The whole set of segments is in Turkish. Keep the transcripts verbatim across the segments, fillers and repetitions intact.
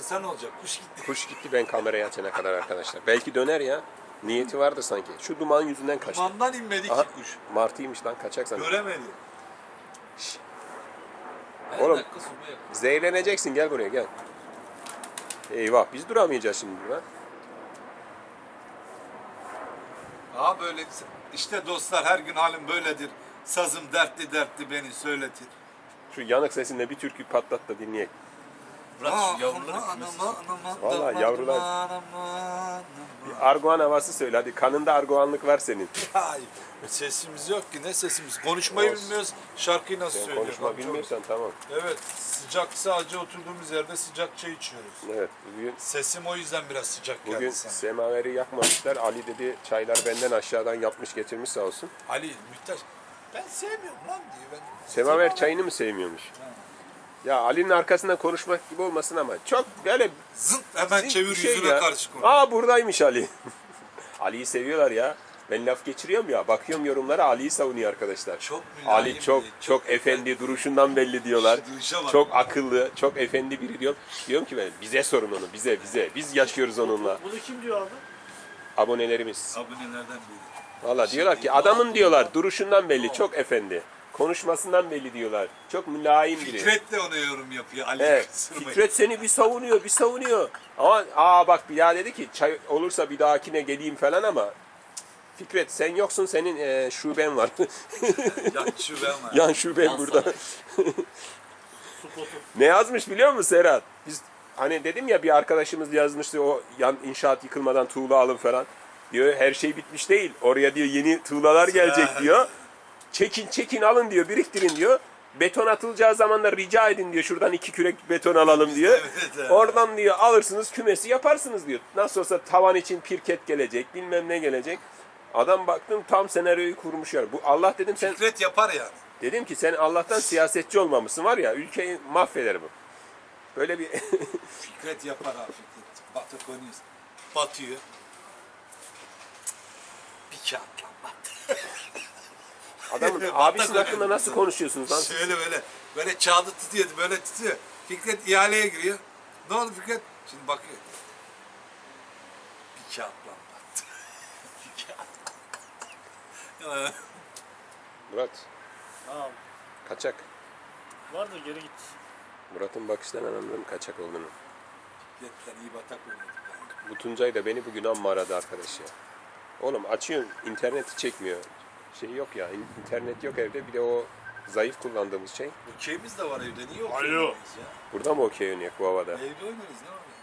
kısa ne olacak? Kuş gitti. Kuş gitti ben kamerayı açana kadar arkadaşlar. Belki döner ya. Niyeti vardı sanki. Şu duman yüzünden kaçtı. Dumandan inmedi Aha, ki kuş. martıymış lan, kaçak sanırım. Göremedi. Oğlum, dakika sonra yakın. zehirleneceksin, gel buraya gel. Eyvah, biz duramayacağız şimdi burada. Aha böyle işte dostlar, her gün halim böyledir. Sazım dertli dertli beni söyletir. Şu yanık sesinle bir türkü patlat da dinleyelim. Bırak şu yavruları kümesi. Vallahi yavrular. Bir Arguan havası söyle hadi. Kanında Arguanlık var senin. Ay, sesimiz yok ki, ne sesimiz? Konuşmayı Olsun. bilmiyoruz. Şarkıyı nasıl Sen söylüyoruz? konuşma bilmiyorsan tamam. Evet, sıcak, sadece oturduğumuz yerde sıcak çay içiyoruz. Evet, bugün Sesim o yüzden biraz sıcak bugün geldi sana. semaveri yakmamışlar. Ali dedi çaylar benden aşağıdan yapmış getirmiş sağ olsun. Ali, Mühtaç, ben sevmiyorum lan diyor. Ben Semaver çayını mı sevmiyormuş? Ya Ali'nin arkasından konuşmak gibi olmasın ama çok böyle zınt hemen zınt çevir bir şey yüzüne ya. karşı konuş. Aa buradaymış Ali. Ali'yi seviyorlar ya. Ben laf geçiriyorum ya. Bakıyorum yorumlara, Ali'yi savunuyor arkadaşlar. Çok mülayim Ali çok biri, çok, çok efendi, duruşundan belli diyorlar. İşte duruşa bak. Çok akıllı, çok efendi biri diyor. Diyorum ki ben, bize sorun onu, bize bize. Biz yaşıyoruz onunla. Bunu kim diyor abi? Abonelerimiz. Abonelerden biri. Valla diyorlar ki adamın diyorlar duruşundan belli, çok efendi. Konuşmasından belli diyorlar. Çok mülayim biri. Fikret de ona yorum yapıyor. Ali Evet. kısırmayı. Fikret seni bir savunuyor, bir savunuyor. Ama aa bak bir daha dedi ki çay olursa bir dahakine geleyim falan ama Fikret sen yoksun, senin e, şuben var. Yan şuben var. Yan şuben Yan burada. Spotu. Ne yazmış biliyor musun Serhat? Biz hani dedim ya bir arkadaşımız yazmıştı o yan inşaat yıkılmadan tuğla alın falan. Diyor her şey bitmiş değil. Oraya diyor yeni tuğlalar gelecek diyor. Çekin çekin alın diyor, biriktirin diyor. Beton atılacağı zaman da rica edin diyor. Şuradan iki kürek beton alalım diyor. Evet, evet. Oradan diyor alırsınız, kümesi yaparsınız diyor. Nasıl olsa tavan için pirket gelecek, bilmem ne gelecek. Adam baktım tam senaryoyu kurmuş ya. Bu Allah dedim sen Fikret yapar yani. dedim ki sen Allah'tan siyasetçi olmamışsın var ya, ülkeyi mahveder bu. Böyle bir Fikret yapar abi Fikret. Batı konuyoruz. Batıyor. Bir kağıtla bat. adamın Batak abisinin öyle. hakkında nasıl konuşuyorsunuz lan? siz? Şöyle böyle. Böyle kağıdı tutuyordu. Böyle tutuyor. Fikret ihaleye giriyor. Ne oldu Fikret? Şimdi bakıyor. Bir kağıtla bat. Bir kağıt. Murat Abi. kaçak. Vardır, geri git. Murat'ın bakışlarından anladım kaçak olduğunu. Fikret'ten iyi batak oynadık. Yani. Bu Tuncay da beni bugün amma aradı arkadaş ya. Oğlum açıyorsun, interneti çekmiyor. Şey yok ya, in- internet yok evde. Bir de o zayıf kullandığımız şey. Okeyimiz de var evde. Niye okey Alo. oynamayız ya? Burada mı okey oynayak bu havada? Evde oynarız ne var ya?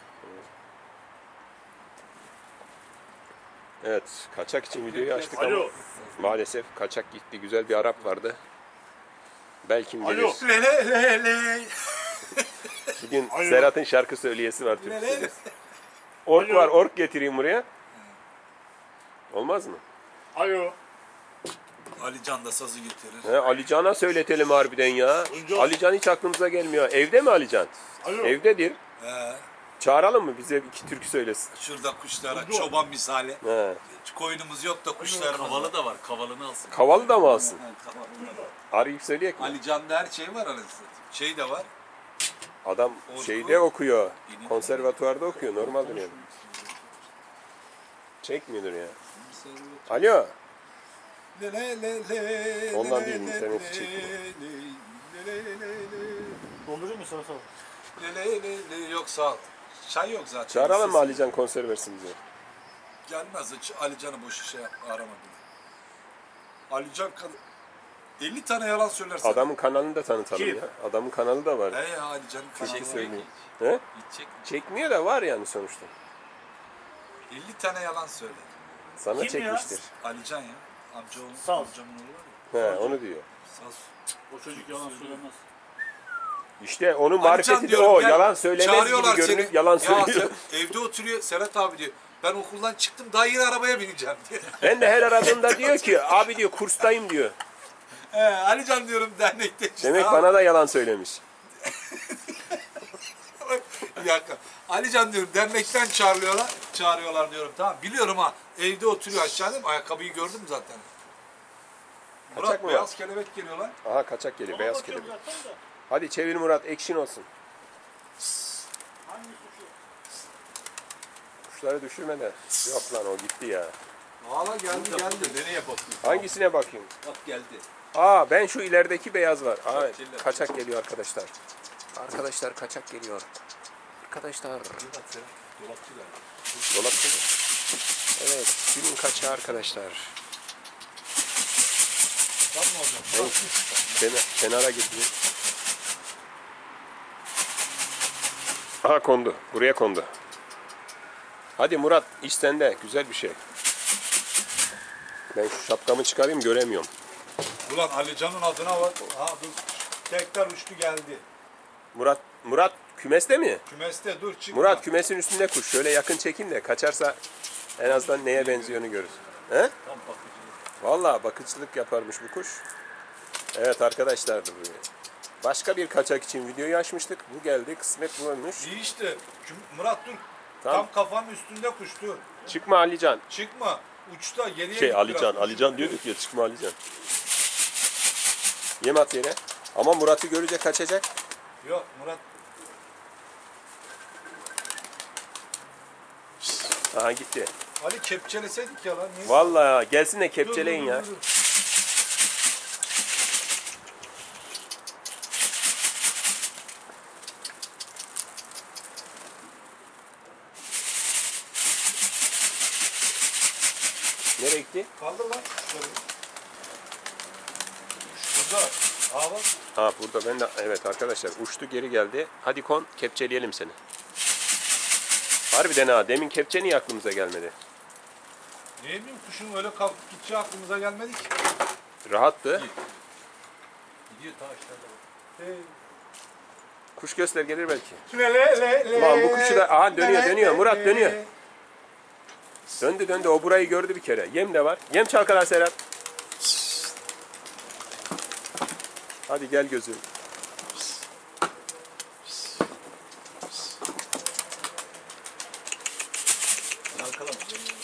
Evet, kaçak için videoyu açtık ama Alo. maalesef kaçak gitti. Güzel bir Arap vardı. Belki gelir. Alo. Le le le le. Bugün Alo. Serhat'ın şarkı söyleyesi var, Türk Le le le. söyleyesi. Ork Alo. var, ork getireyim buraya. Olmaz mı? Alo. Ali Can da sazı getirir. He, Ali Can'a söyletelim harbiden ya. Tuncay. Ali Can hiç aklımıza gelmiyor. Evde mi Ali Can? Alo. Evdedir. He. Çağıralım mı, bize iki türkü söylesin? Şurada kuşlara Alo. çoban misali. He. Koyunumuz yok da kuşlarımız Kavalı var. da var. Kavalını alsın. Kavalı da mı alsın? Ha, tamam. Arayıp söyleyek mi? Ali Can'da her şey var anasını satayım. Şey de var. Adam Orku. şeyde okuyor. İnin. Konservatuvarda okuyor. Normal dönüyor. Çekmiyordur ya. Alo. Le le le le. Ondan le değil, le interneti le çekmiyor. le le le le. Dondurayım mı sana, sağ ol. Le le le le. Yok sağ ol. Çay yok zaten. Çağıralım mı Sesi- Ali Can konser versin bize? Gelmez hiç. Ali Can'ı boş şey yap, arama bile. Ali Can kadın. elli tane yalan söylersen. Adamın kanalını da tanıtalım Kim? ya. Adamın kanalı da var. He ya Ali Can'ın kanalı Türkü var. söylüyor. He? Gidecek mi? Çekmiyor da var yani sonuçta. elli tane yalan söyledi. Sana Kim ya? çekmiştir. Ali Can ya. Amca oğlu. Sağ ol. Amcamın oğlu var ya. He, onu diyor. Saz. O çocuk yalan söylemez. İşte onun Ali Can marifeti de diyorum, o. gel, Yalan söylemez çağırıyorlar gibi görünüp seni. yalan Ya söylüyor. sen evde oturuyor Serhat abi diyor. Ben okuldan çıktım daha yeni arabaya bineceğim diyor. Ben de her aradığımda diyor ki abi diyor kurstayım diyor. He, Ali Can diyorum dernekte işte. Demek abi. bana da yalan söylemiş. Bir dakika. Ali Can diyorum dernekten çağırıyorlar. Çağırıyorlar diyorum tamam. Biliyorum ha. Evde oturuyor aşağıda. Ayakkabıyı gördüm zaten. Kaçak Murat mı beyaz kelebek geliyorlar. Aha kaçak geliyor, beyaz Bakıyorum kelebek. zaten de. Hadi çevir Murat, action olsun. Hangi suçu? Kuşları düşürme de. Yok lan o gitti ya. Valla geldi geldi. Nereye bakıyorsun? Hangisine bakayım? Bak geldi. Aa ben şu ilerideki beyaz var. Aa, Kaçırlar. kaçak geliyor arkadaşlar. Arkadaşlar kaçak geliyor. Arkadaşlar. Dolapçılar. Dolapçı mı? Evet. Günün kaçağı arkadaşlar. Tam mı hocam? Evet. Kenar, kenara gidiyor. Aha kondu. Buraya kondu. Hadi Murat iş sende. Güzel bir şey. Ben şu şapkamı çıkarayım göremiyorum. Ulan Alican'ın adına bak. Ha dur. Tekrar uçtu geldi. Murat Murat kümeste mi? Kümeste dur çıkma. Murat kümesin üstünde kuş. Şöyle yakın çekin de kaçarsa en azından neye benziyorunu görürüz. He? Tam bakıcılık. Vallahi bakıcılık yaparmış bu kuş. Evet arkadaşlar. Başka bir kaçak için videoyu açmıştık. Bu geldi. Kısmet bulunmuş. İyi işte. Küm- Murat dur. Tamam. Tam kafanın üstünde kuş dur. Çıkma Alican. Çıkma. Uçta geriye Şey git Alican. biraz. Alican diyorduk ya çıkma Alican. Yem at yere. Ama Murat'ı görünce kaçacak. Yok Murat. Aha gitti. Ali kepçeleseydik ya lan. Niye? Vallahi gelsin de Dur, kepçeleyin dur, ya. dur, dur. Nereye gitti? Kaldır lan kuşları. Şurada. Aa bak. Ha burada ben de evet arkadaşlar uçtu geri geldi. Hadi kon kepçeleyelim seni. Harbiden ha demin kepçe niye aklımıza gelmedi? Ne bileyim kuşun öyle kalkıp gideceği aklımıza gelmedi ki. Rahattı. Gidiyor ta aşağıda bak. Hey. Kuş göster gelir belki. Le le le le. Ulan bu kuşu da- aha, dönüyor, Le, dönüyor. le, Murat le. dönüyor. Döndü döndü o burayı gördü bir kere. Yem de var. Yem çalkalar Serhat. Hadi gel gözüm. Arkalama.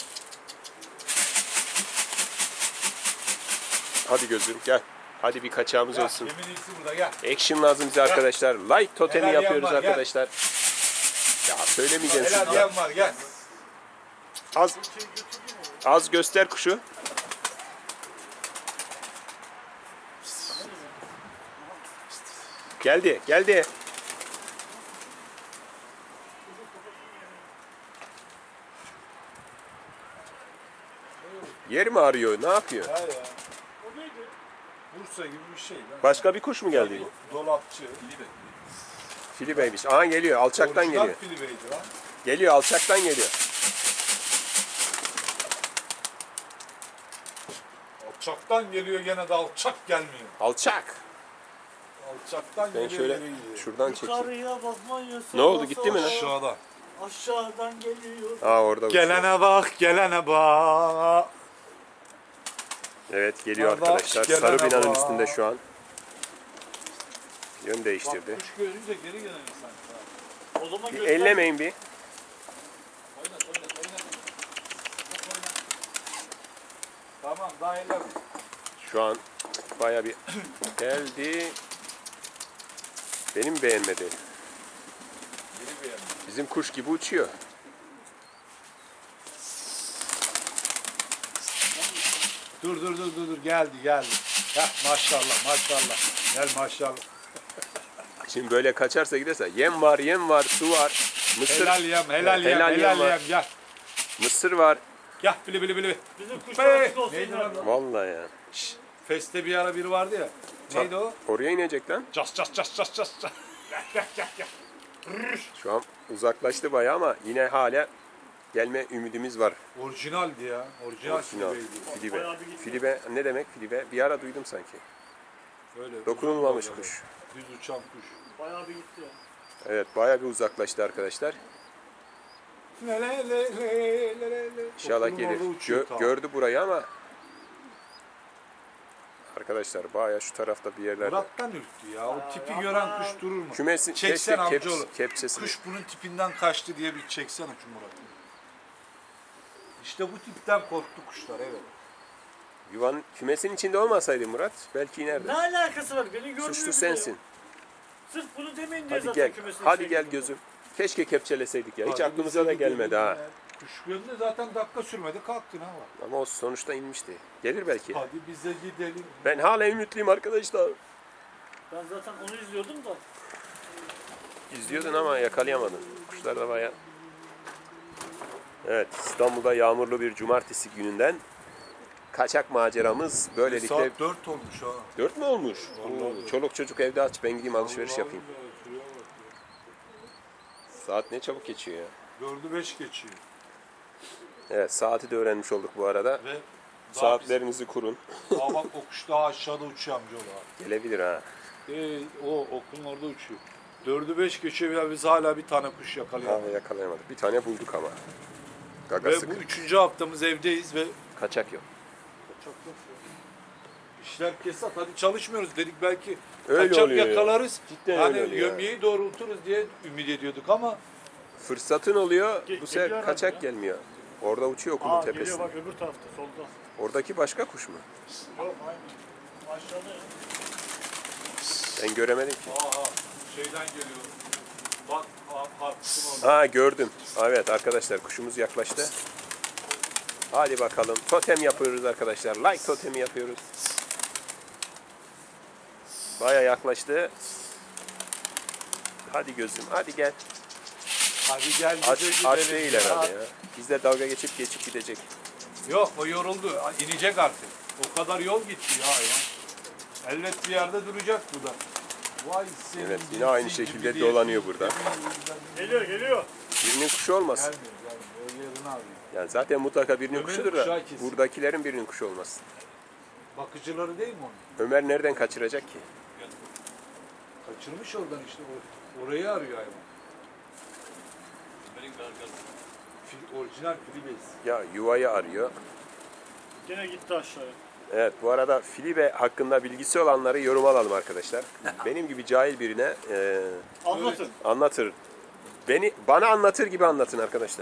Hadi gözüm gel. Hadi bir kaçağımız Gel, olsun. yemin iyisi burada gel. Action lazım bize arkadaşlar. Like totemi Helal yapıyoruz yan var, gel. arkadaşlar. Ya söylemeyeceğim Helal şimdi. yan var gel. Az az göster kuşu. Geldi, geldi. Yer mi arıyor? Ne yapıyor? Ha ya. Bursa gibi bir şey lan. Başka bir kuş mu geldi? Dolapçı. Filibeymiş. Aha geliyor. Alçaktan Orijinal geliyor. filibeydi lan. Geliyor. Alçaktan geliyor. Alçaktan geliyor gene de alçak gelmiyor. Alçak. Alçaktan Ben geliyor şöyle geri gidiyor. şuradan çekeyim. Yukarıya bakmayın. Ne oldu, gitti mi lan? Aşağıda. Aşağıdan geliyor. Aa orada uçuyor. Gelene bak, gelene bak. Evet geliyor Kardeş, arkadaşlar. gelene Sarı binanın bak. üstünde şu an. Yön Bak değiştirdi. kuş görünce geri gelen insan. O zaman Bir göster. ellemeyin bir. Oynat oynat oynat. Bak, oynat. Tamam daha elleme. Şu an baya bir geldi. Benim beğenmedi. Geri beğendim. Bizim kuş gibi uçuyor. Dur dur dur dur dur geldi geldi. Heh, maşallah maşallah. Gel maşallah. Şimdi böyle kaçarsa giderse yem var, yem var, su var. Mısır, Helal yem, helal yem, Helal helal, yem var. yem. Gel. mısır var. Gel bili bili bili. Bizim kuş Be! parası olsun. Neydi nerede? lan? Vallahi ya. Feste bir ara biri vardı ya. Neydi o? Oraya inecek lan. Cas cas cas cas cas. cas. Gel gel gel gel. Şu an uzaklaştı bayağı ama yine hala gelme ümidimiz var. Orijinaldi ya. Orijinal Orijinal. filibeydi. Filibe. Bayağı bir gitti. Filibe ne demek filibe? Bir ara duydum sanki. Öyle. Dokunulmamış uzun kuş. Düz uçan kuş. Bayağı bir gitti ya. Evet bayağı bir uzaklaştı arkadaşlar. Le le le le le le. İnşallah Okulun gelir. orada uçuyor Gö- ta. gördü burayı ama arkadaşlar bayağı şu tarafta bir yerlerde. Murat'tan ürktü ya. O tipi gören kuş durur mu? Kümesin Çeksen keşke keps, amcaoğlu. kepçesini. Kuş bunun tipinden kaçtı diye bir çeksene şu Murat'ı. İşte bu tipten korktu kuşlar evet. Yuvanın kümesin içinde olmasaydı Murat belki Ne inerdi. alakası var? Beni görmüyor. Suçlu bile sensin. ya. Sırf bunu demeyin diye Hadi zaten gel. kümesin Hadi içine gel girdim. gözüm. Keşke kepçeleseydik ya. Hiç Hadi aklımıza da bize gelmedi ha. gidelim. Kuş gördü zaten dakika sürmedi kalktı ne var? Ama o sonuçta inmişti. Gelir belki. Hadi bize gidelim. Ben hala ümitliyim arkadaşlar. Ben zaten onu izliyordum da. İzliyordun ama yakalayamadın. Kuşlar da bayağı... Evet, İstanbul'da yağmurlu bir cumartesi gününden kaçak maceramız böylelikle... Saat dört olmuş ha. Dört mü olmuş? Vallahi Oo, çoluk çocuk evde aç, ben gideyim alışveriş Vallahi yapayım. billahi şuraya bak ya. Saat ne çabuk geçiyor ya. Dördü beş geçiyor. Evet, saati de öğrenmiş olduk bu arada. Ve daha Saatlerinizi kurun. biz- Aa bak o kuş daha aşağıda uçuyor amcaoğlu abi. Gelebilir ha. Ee, o okulun orada uçuyor. Dördü beş geçiyor ya biz hala bir tane kuş Ha, yakalayamadık. yakalayamadık. Bir tane bulduk ama. Ve Gagası bu üçüncü haftamız evdeyiz ve kaçak yok. çok çok işler kesat. Hadi çalışmıyoruz dedik belki Öyle kaçak oluyor ya. yakalarız. Cidden hani öyle oluyor yömyeyi doğrulturuz diye ümit ediyorduk ama Fırsatın oluyor, Ge- bu sefer geliyor kaçak herhalde ya. gelmiyor. Orada uçuyor okulun Aa geliyor tepesinde. bak öbür tarafta solda. Oradaki başka kuş mu? Yok aynı. Aşağıda ya. Ben göremedim ki. aha şeyden geliyor. Bak parkın orada. Ha gördüm. Evet arkadaşlar kuşumuz yaklaştı. Hadi bakalım. Totem yapıyoruz arkadaşlar. Like totemi yapıyoruz. Baya yaklaştı. Hadi gözüm. Hadi gel. Hadi gel Aç, bize aç gidelim değil ya. herhalde ya. Bizle dalga geçip geçip gidecek. Yok o yoruldu. İnecek artık. O kadar yol gitti ya ya. Elbet bir yerde duracak bu da. Vay senin Evet yine aynı cinsi şekilde gibi diye- dolanıyor burada. Geliyor geliyor. Birinin kuşu olmasın. Gelmiyor gelmiyor. O yerini arıyor. Yani zaten mutlaka birinin Ömer'in kuşudur da kuşağı kesin. buradakilerin birinin kuşu olmasın. Bakıcıları değil mi onun? Ömer nereden kaçıracak ki? Kaçırmış oradan işte. O- Orayı arıyor hayvan. Benim gargazım. Fil, orijinal filibes. Ya yuvayı arıyor. Gene gitti aşağıya. Evet bu arada Filibe hakkında bilgisi olanları yorum alalım arkadaşlar. Benim gibi cahil birine e, Anlatın. anlatır. Beni bana anlatır gibi anlatın arkadaşlar.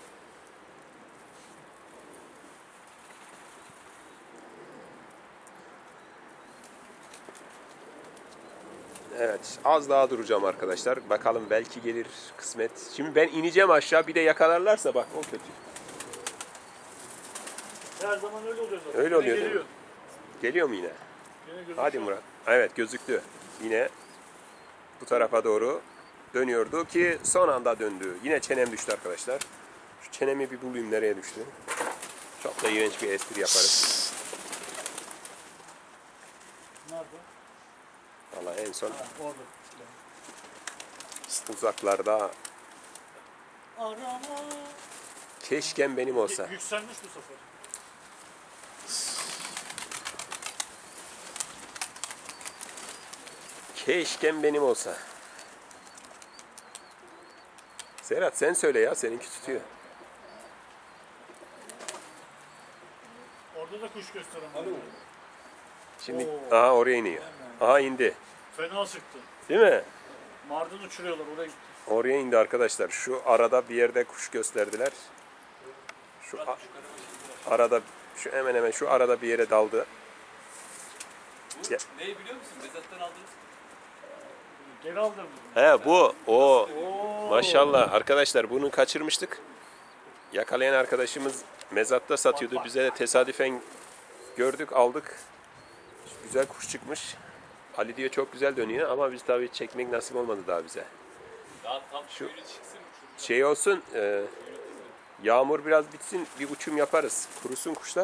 Evet az daha duracağım arkadaşlar. Bakalım belki gelir kısmet. Şimdi ben ineceğim aşağı bir de yakalarlarsa bak o kötü. Her zaman öyle oluyor zaten. Öyle Gene oluyor değil geliyor. mi? Geliyor mu yine? Gene gözüküyor. Hadi Murat. Evet gözüktü. Yine bu tarafa doğru dönüyordu ki son anda döndü. Yine çenem düştü arkadaşlar. Şu çenemi bir bulayım nereye düştü. Çok da iğrenç bir espri yaparız. Nerede? Valla en son Ha, orada. uzaklarda Arama. keşken benim olsa. Y- Yükselmiş bu sefer. Keşken benim olsa. Serhat sen söyle ya seninki tutuyor. Orada da kuş gösteren. Alo. Şimdi Oo. aha oraya iniyor. Aha indi. Fena sıktı. Değil mi? Mardin uçuruyorlar oraya gitti. Oraya indi arkadaşlar. Şu arada bir yerde kuş gösterdiler. Şu a- arada şu hemen hemen şu arada bir yere daldı. Bu Ya. neyi biliyor musun? Mezattan aldınız. Geri aldım. He bu o Oo. maşallah arkadaşlar bunu kaçırmıştık. Yakalayan arkadaşımız mezatta satıyordu. Bak, bak. Bize de tesadüfen gördük aldık. Güzel kuş çıkmış. Ali diyor çok güzel dönüyor ama biz tabii çekmek nasip olmadı daha bize. Daha tam Şu- suyunu çıksın uçurun. Şey olsun e, yağmur biraz bitsin bir uçum yaparız. Kurusun kuşlar.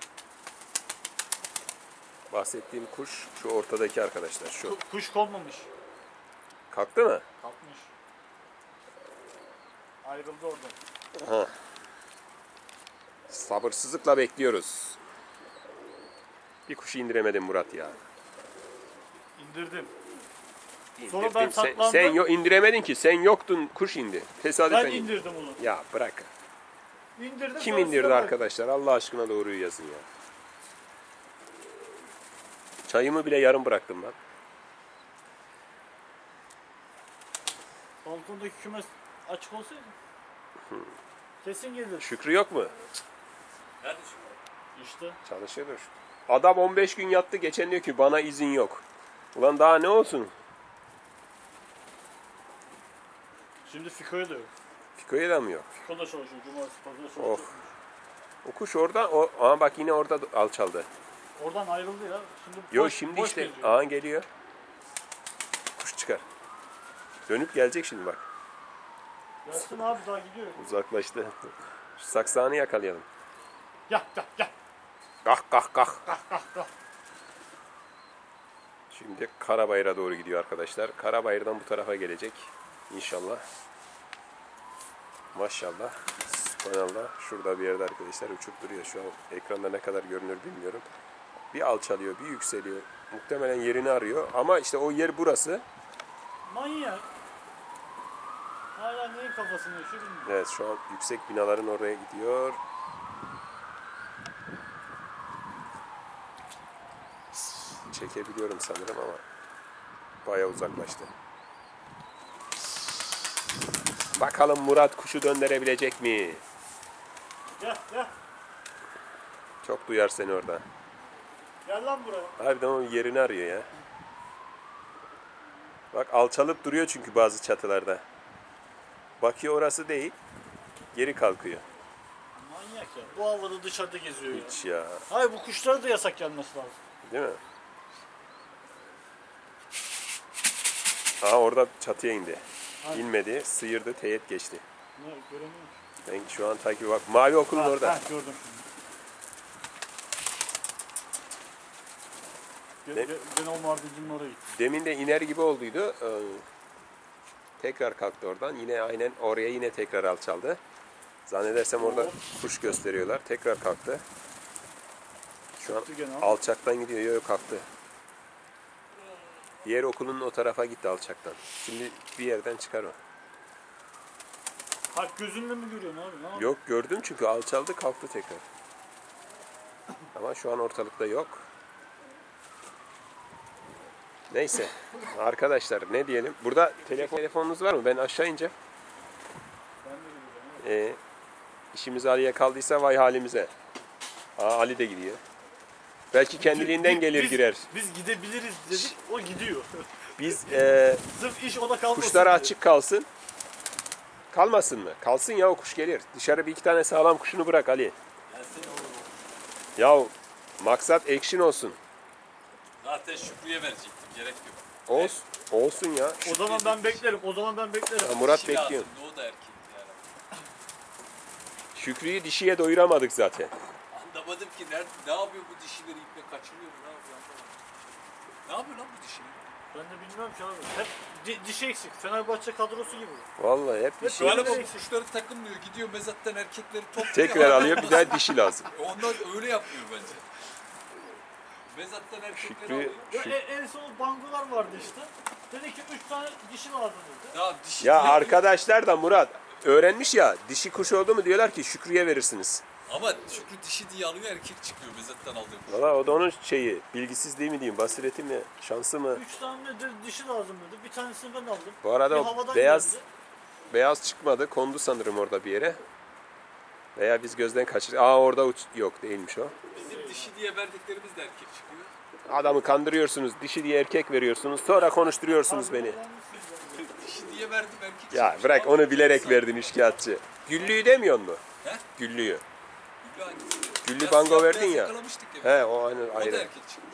Bahsettiğim kuş şu ortadaki arkadaşlar şu. Ku- Kuş konmamış. Kalktı mı? Kalkmış. Ayrıldı oradan. Sabırsızlıkla bekliyoruz. Bir kuşu indiremedim Murat ya. İndirdim. Sonra ben İndirdin. Sen, saklandım. sen yo indiremedin ki. Sen yoktun. Kuş indi. Tesadüfen Ben indi. indirdim onu. Ya bırak. İndirdim. Kim sonra indirdi size bak- arkadaşlar? Allah aşkına doğruyu yazın ya. Çayımı bile yarım bıraktım ben. Balkondaki kümes açık olsaydı. Kesin gelir. Şükrü yok mu? Nerede şimdi? İşte. Çalışıyordur. Adam on beş gün yattı. Geçen diyor ki bana izin yok. Ulan daha ne olsun? Şimdi Fiko'ya da yok. Fiko'ya da mı yok? Fiko da çalışıyor. Cumartesi pazarı Oh. çalışıyor. O kuş orada, o, ama bak yine orada alçaldı. Oradan ayrıldı ya. Şimdi Yo boş- şimdi boş işte, geziyor. aha geliyor. Kuş çıkar. Dönüp gelecek şimdi bak. Gelsin abi daha gidiyor. Uzaklaştı. Şu saksağını yakalayalım. Gel gel gel. Kah kah kah. Şimdi Karabayır'a doğru gidiyor arkadaşlar. Karabayır'dan bu tarafa gelecek. İnşallah. Maşallah. Subhanallah. Şurada bir yerde arkadaşlar uçup duruyor. Şu an ekranda ne kadar görünür bilmiyorum. Bir alçalıyor, bir yükseliyor. Muhtemelen yerini arıyor. Ama işte o yer burası. Manyak. Hala neyin kafasını yaşıyor bilmiyorum. Evet, şu an yüksek binaların oraya gidiyor. Çekebiliyorum sanırım ama bayağı uzaklaştı. Bakalım Murat kuşu döndürebilecek mi? Gel gel. Çok duyar seni orada. Gel lan buraya. Harbiden o yerini arıyor ya. Bak alçalıp duruyor çünkü bazı çatılarda. Bakıyor orası değil. Geri kalkıyor. Manyak ya. Bu havada dışarıda geziyor ya. Hiç ya. Hayır bu kuşlara da yasak gelmesi lazım. Değil mi? Aa orada çatıya indi. Hani? İnmedi. Sıyırdı. Teyit geçti. Ne göremiyorum. Ben şu an takip bak. Mavi okulun Ha, orada. ha, gördüm şimdi. Ne? Gene, gene o mardincinin oraya gitti. Demin de iner gibi olduydu. Ee, tekrar kalktı oradan. Yine aynen oraya yine tekrar alçaldı. Zannedersem orada kuş gösteriyorlar. Tekrar kalktı. Şu an Gitti gene ama. alçaktan gidiyor. Yok yok kalktı. Diğer okulun o tarafa gitti alçaktan. Şimdi bir yerden çıkar o. Kalp gözünle mi görüyorsun abi? Ne yapıyorsun? Yok gördüm çünkü alçaldı kalktı tekrar. Ama şu an ortalıkta yok. Neyse arkadaşlar ne diyelim. Burada telefon telefonunuz var mı? Ben aşağı ineceğim. Ben de görüyorum. Ee, işimiz Ali'ye kaldıysa vay halimize. Aa, Ali de gidiyor. Belki kendiliğinden gelir Biz- girer. Biz gidebiliriz dedik, o gidiyor. Biz e, Sırf iş ona kalmasın kuşlara diye. açık kalsın. Kalmasın mı? Kalsın ya o kuş gelir. Dışarı bir iki tane sağlam kuşunu bırak Ali. Gelsin oğlum. Ya maksat action olsun. Zaten Şükrü'ye verecektim. Gerek yok. Olsun, olsun ya. O zaman ben beklerim, o zaman ben beklerim. Ya Murat Dişi bekliyor. lazımdı, o da erkek yani. Şükrü'yü dişiye doyuramadık zaten. Anlamadım ki nerede, ne yapıyor bu dişileri iple kaçırıyor mu? Ne yapıyor anlamadım. Ne yapıyor lan bu dişi? Ben de bilmiyorum ki abi. Hep di- dişi eksik. Fenerbahçe kadrosu gibi. Vallahi hep dişi. Öyle Galiba mi? bu kuşları takılmıyor. Gidiyor mezattan erkekleri topluyor. Tekrar alıyor bir daha dişi lazım. Onlar öyle yapmıyor bence. Mezattan erkekleri Şükrü- alıyor. Ya Şu- e- en son bangolar vardı işte. Dedi ki üç tane dişi lazım dedi. Ya dişi Ya diyor. arkadaşlar da Murat öğrenmiş ya dişi kuş oldu mu diyorlar ki Şükrü'ye verirsiniz. Ama Şükrü dişi diye alıyor, erkek çıkıyor mezattan aldığım kuş. Valla o da onun şeyi bilgisizliği mi diyeyim basireti mi şansı mı? Üç tane dedi, dişi lazım dedi. Bir tanesini ben aldım. Bu arada Bir o havadan beyaz geldi. beyaz çıkmadı kondu sanırım orada bir yere. Veya biz gözden kaçırdık. Aa orada uç yok değilmiş o. Bizim dişi diye verdiklerimiz de erkek çıkıyor. Adamı kandırıyorsunuz dişi diye erkek veriyorsunuz sonra konuşturuyorsunuz beni. Dişi diye verdim erkek Ya çıkmış. bırak Vallahi onu bilerek insan. verdin işkiyatçı. Güllüyü demiyor mu? He? Güllüyü. Güllü hangisi? Güllü Ya bango siyah verdin beyaz ya. yakalamıştık ya. He o aynı O da ayrı. erkek çıkmış.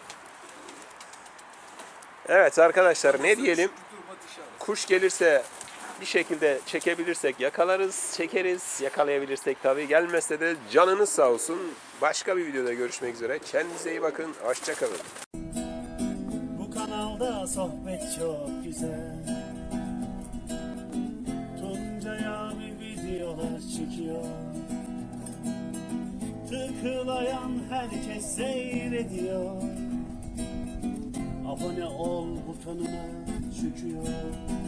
Evet arkadaşlar ne diyelim? Şükrü durma dişi alır. Kuş gelirse bir şekilde çekebilirsek yakalarız, çekeriz. Yakalayabilirsek tabii. Gelmezse de canınız sağ olsun. Başka bir videoda görüşmek üzere. Kendinize iyi bakın. Hoşça kalın. Bu kanalda sohbet çok güzel. Tuncay abi videolar çekiyor. Tıklayan herkes seyrediyor. Abone ol butonuna çıkıyor.